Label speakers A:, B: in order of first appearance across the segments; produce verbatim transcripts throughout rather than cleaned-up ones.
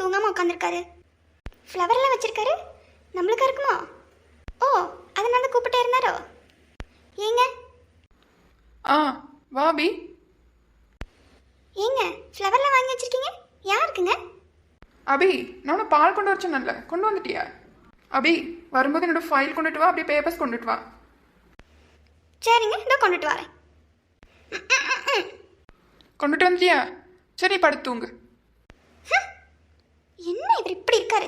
A: தூங்காமல் உட்காந்துருக்காரு? ஃப்ளவர்லாம் வச்சுருக்காரு, நம்மளுக்கா இருக்குமோ? ஓ, அதனால கூப்பிட்டே இருந்தாரோ? ஏங்க
B: ஆ வாபி.
A: ஏங்க ஃப்ளவர்லாம் வாங்கி வச்சுருக்கீங்க, யாருக்குங்க?
B: அபி, நான் பால் கொண்டு வர சொன்னேன்ல, கொண்டு வந்துட்டியா? அபி, வரும்போது என்னோட ஃபைல் கொண்டுட்டு வா, அப்படியே பேப்பர்ஸ் கொண்டுட்டு வா.
A: சரிங்க, இதோ கொண்டுட்டு வரேன்.
B: கொண்டுட்டு வந்துட்டியா? சரி, படுத்துங்க.
A: என்ன இவர் இப்படி இருக்காரு?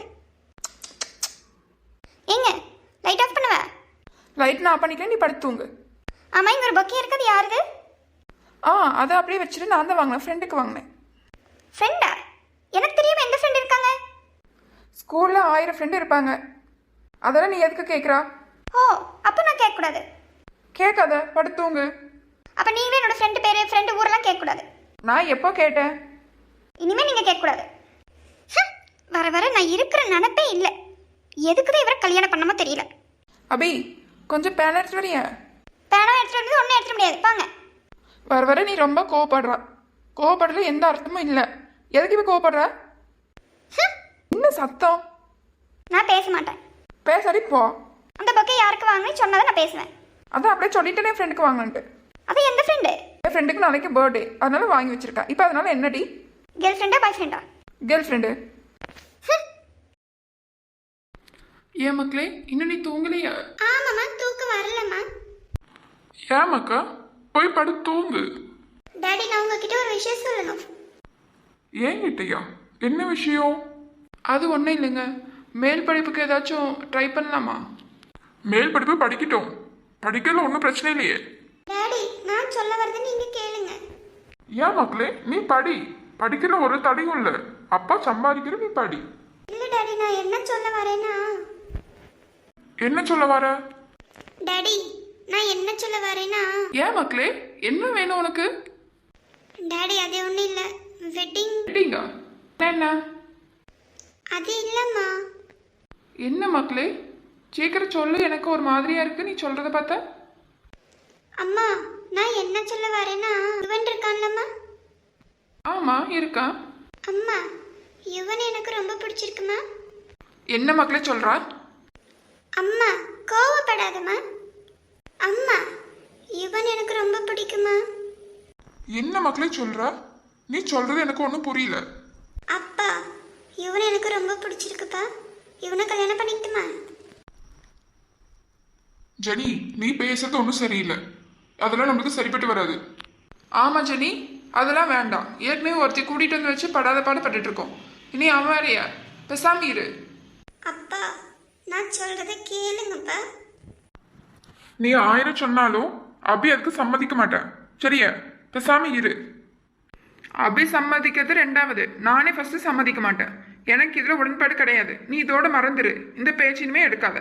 A: ஏங்க லைட் ஆஃப் பண்ணுவ?
B: லைட் நான் பண்ணிக்கிறேன், நீ படுத்துங்க.
A: ஆமாம், இங்கே ஒரு பொக்கே இருக்குது, யாருது?
B: ஆ, அதை அப்படியே வச்சுட்டு நான் தான் வாங்கினேன், ஃப்ரெண்டுக்கு வாங்கினேன்.
A: ஃப்ரெண்டா? எனக்கு தெரியாம எந்த ஃப்ரெண்ட் இருக்காங்க?
B: ஸ்கூலில் ஆயிரம் ஃப்ரெண்டு இருப்பாங்க, அதெல்லாம் நீ எதுக்கு கேட்குறா?
A: ஓ, அப்போ நான் கேட்கக்கூடாது.
B: கேட்காத, படுத்துங்க.
A: அப்போ நீங்களே என்னோட ஃப்ரெண்டு பேர் ஃப்ரெண்டு ஊரெல்லாம் கேட்கக்கூடாது.
B: நான் எப்போ கேட்டேன்?
A: இனிமேல் நீங்கள் கேட்கக்கூடாது. வர வர நான் இருக்கிற நினப்பே இல்லை. எதுக்கு தான் இவரை கல்யாணம் பண்ணாமோ தெரியல.
B: அபி, கொஞ்சம் பேன் எடுத்துட்டு வரியா?
A: பேனா எடுத்துட்டு வந்து ஒன்றும் எடுத்துட முடியாது, பாங்க.
B: வர வர நீ ரொம்ப கோவப்படுறா. கோவப்படுறது எந்த அர்த்தமும் இல்லை. எதுக்கு இப்போ கோவப்படுற? என்ன சத்தம்?
A: நான் பேச மாட்டேன்.
B: பேசாடி போ.
A: அந்த பொக்கே யாருக்கு வாங்கினு சொன்னதை நான் பேசுவேன்.
B: அதான் அப்படியே சொல்லிட்டேன் என் ஃப்ரெண்டுக்கு வாங்கினேன்ட்டு.
A: அது எந்த ஃப்ரெண்டு?
B: என் ஃப்ரெண்டுக்கு நாளைக்கு பர்த்டே, அதனால வாங்கி வச்சிருக்கேன். இப்போ அதனால என்னடி?
A: கேர்ள் ஃப்ரெண்டா பாய் ஃப்ரெண்டா?
B: Girl friend. ஏன் மக்களே, இன்னும் நீ தூங்கலையா?
A: ஆமாம்மா, தூக்கம் வரலம்மா.
C: ஏன் மக்கா, போய் படு தூங்கு.
A: டாடி, நான் உங்ககிட்ட ஒரு விஷயம் சொல்லணும்.
C: ஏன் கிட்டயா? என்ன விஷயம்?
B: அது ஒன்றும் இல்லைங்க, மேல் படிப்புக்கு ஏதாச்சும் ட்ரை பண்ணலாமா?
C: மேல் படிப்பு படிக்கட்டும், படிக்கல ஒன்றும் பிரச்சனை இல்லையே.
A: டாடி, நான் சொல்ல வரதை நீங்க கேளுங்க.
C: ஏன் மக்களே, நீ படி, படிக்கிற ஒரு தடையும் இல்லை. அப்பா சம்பாதிக்கிற, நீ படி.
A: இல்ல டாடி, நான் என்ன சொல்ல வரேன்னா.
C: என்ன சொல்ல வர?
A: டாடி, நான் என்ன சொல்ல வரேன்னா.
B: ஏன் மக்களே, என்ன வேணும் உனக்கு?
A: டாடி, அது ஒன்றும் இல்லை, வெட்டிங்.
B: வெட்டிங்கா? என்ன?
A: அது இல்லைம்மா.
B: என்ன மக்களே, சீக்கிரம் சொல்லு, எனக்கு ஒரு மாதிரியா இருக்கு நீ சொல்றத பார்த்தா.
A: அம்மா, நான் என்ன சொல்ல வரேன்னா, யுவன் இருக்கான்லம்மா.
B: ஆமா, இருக்கா.
A: அம்மா, யுவன் எனக்கு ரொம்ப பிடிச்சிருக்குமா.
B: என்ன மக்களே சொல்றா?
A: அம்மா, கோவப்படாதம்மா. அம்மா, யுவன் எனக்கு ரொம்ப பிடிக்குமா.
C: என்ன மக்களே சொல்ற? நீ சொல்றது எனக்கு ஒன்றும் புரியல.
A: அப்பா, யுவன் எனக்கு ரொம்ப பிடிச்சிருக்குப்பா. இவனை கல்யாணம் பண்ணிக்கிட்டுமா?
C: ஜெனி, நீ பேசுறது ஒன்றும் சரியில்லை. அதெல்லாம் நம்மளுக்கு சரிப்பட்டு வராது.
B: ஆமா ஜெனி, அதெல்லாம் வேண்டாம். ஏற்கனவே ஒருத்தி கூட்டிட்டு வந்து வச்சு படாத பாடு பட்டுட்டு இருக்கோம். இனி அவன் வேறையா? பெசாம இரு.
A: அப்பா, நான் சொல்றதை கேளுங்கப்பா.
C: நீ ஆயிரம் சொன்னாலும் அபி அதுக்கு சம்மதிக்க மாட்டேன், சரியா? பேசாம இரு.
B: அபி சம்மதிக்கிறது ரெண்டாவது, நானே ஃபர்ஸ்ட் சம்மதிக்க மாட்டேன். எனக்கு இதுல உடன்பாடு கிடையாது. நீ இதோட மறந்துரு, இந்த பேச்சினுமே எடுக்காத.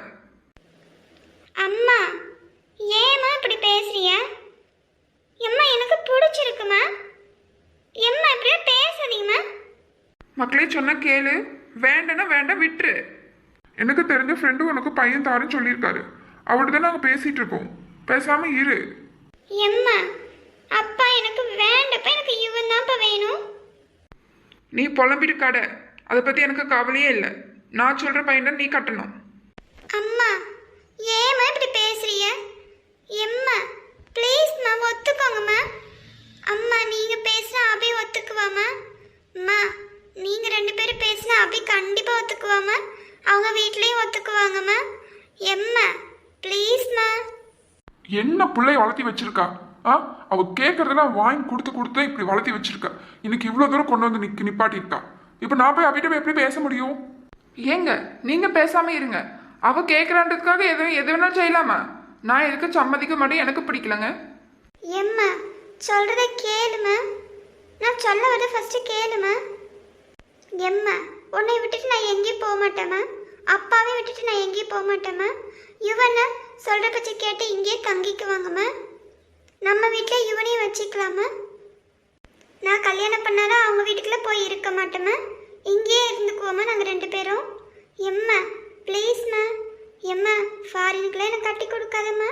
A: அம்மா, ஏம்மா இப்படி பேசுறியா? எம்மா, எனக்கு பிடிச்சிருக்குமா. எம்மா, இப்படியே பேசாதீங்கம்மா.
B: மக்களே சொன்ன கேளு, வேண்டனா வேண்டாம், விட்டுரு.
C: எனக்கு தெரிஞ்ச ஃப்ரெண்டு உனக்கு பையன் தாருன்னு சொல்லியிருக்காரு. அவர்கிட்ட தான் நாங்கள் பேசிட்டு இருக்கோம். பேசாம இரு.
A: எம்மா, அப்பா எனக்கு வேண்டப்பா, எனக்கு இவன் தான்ப்பா வேணும்.
B: நீ புலம்பிட்டு கடை, அதை பத்தி எனக்கு கவலையே இல்லை. நான் சொல்ற பையன் நீ கட்டணும்.
A: அம்மா, ஏம்மா இப்படி பேசுறிய? எம்மா, ப்ளீஸ்மா, ஒத்துக்கோங்கம்மா. அம்மா, நீங்க பேசினா அபி ஒத்துக்குவாமா? அம்மா, நீங்க ரெண்டு பேரும் பேசினா அபி கண்டிப்பா ஒத்துக்குவாமா? அவங்க வீட்லயும் ஒத்துக்குவாங்கம்மா. எம்மா, ப்ளீஸ்மா.
C: என்ன பிள்ளைய வளர்த்தி வச்சிருக்கா? ஆ, அவ கேட்கறதெல்லாம் வாங்கி கொடுத்து கொடுத்து இப்படி வளர்த்தி வச்சிருக்கா. இன்னைக்கு இவ்வளோ தூரம் கொண்டு வந்து நிக்க நிப்பாட்டிருக்கா. இப்போ நான் போய் அபிட்ட எப்படி பேச முடியும்?
B: ஏங்க நீங்க பேசாம இருங்க. அவ கேட்கறான்றதுக்காக எது எது வேணாலும் செய்யலாமா? நான் எதுக்கு சம்மதிக்க மாட்டேன், எனக்கு பிடிக்கலங்க.
A: எம்மா, சொல்றத கேளுமா. நான் சொல்ல வர ஃபர்ஸ்ட் கேளுமா. எம்மா, உன்னை விட்டுட்டு நான் எங்கேயும் போக மாட்டேம்மா. அப்பாவை விட்டுட்டு நான் எங்கேயும் போக மாட்டேம்மா. யுவனை சொல்ற பச்சை கேட்டு இங்கேயே தங்கிக்குவாங்கம்மா. நம்ம வீட்டில் யுவனையும் வச்சுக்கலாமா. நான் கல்யாணம் பண்ணாலும் அவங்க வீட்டுக்குள்ள போய் இருக்க மாட்டேம்மா. இங்கேயே இருந்துக்குவோம்மா நாங்கள் ரெண்டு பேரும். எம்மா, ப்ளீஸ்மா. எம்மா, ஃபாரினுக்குலாம் எனக்கு கட்டி கொடுக்காதம்மா.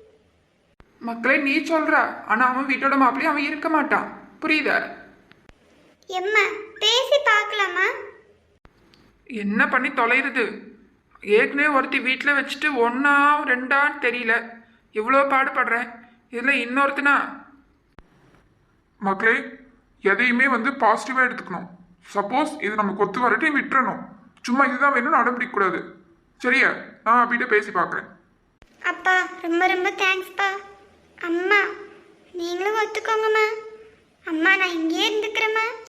B: மக்களே நீ சொல்றா, ஆனா அவன் வீட்டோட மாப்பிள்ளையும் அவன் இருக்க மாட்டான், புரியுதா?
A: எம்மா, பேசி பார்க்கலாமா.
B: என்ன பண்ணி தொலைகிறது? ஏற்கனவே ஒருத்தி வீட்டில் வச்சுட்டு ஒன்றா ரெண்டான்னு தெரியல, இவ்வளோ பாடுபடுறேன், இதில் இன்னொருத்தனா?
C: மக்களே, எதையுமே வந்து பாசிட்டிவாக எடுத்துக்கணும். சப்போஸ் இது நமக்கு ஒத்து வரட்டி விட்டுறணும். சும்மா இதுதான் வேணும்னு அடம்பிடிக்கக்கூடாது. சரியா? நான் அப்பிட்ட பேசி பார்க்குறேன்.
A: அப்பா ரொம்ப ரொம்ப தேங்க்ஸ்ப்பா. அம்மா நீங்களும் ஒத்துக்கோங்கம்மா. அம்மா நான் இங்கேயே இருந்துக்கிறேம்மா.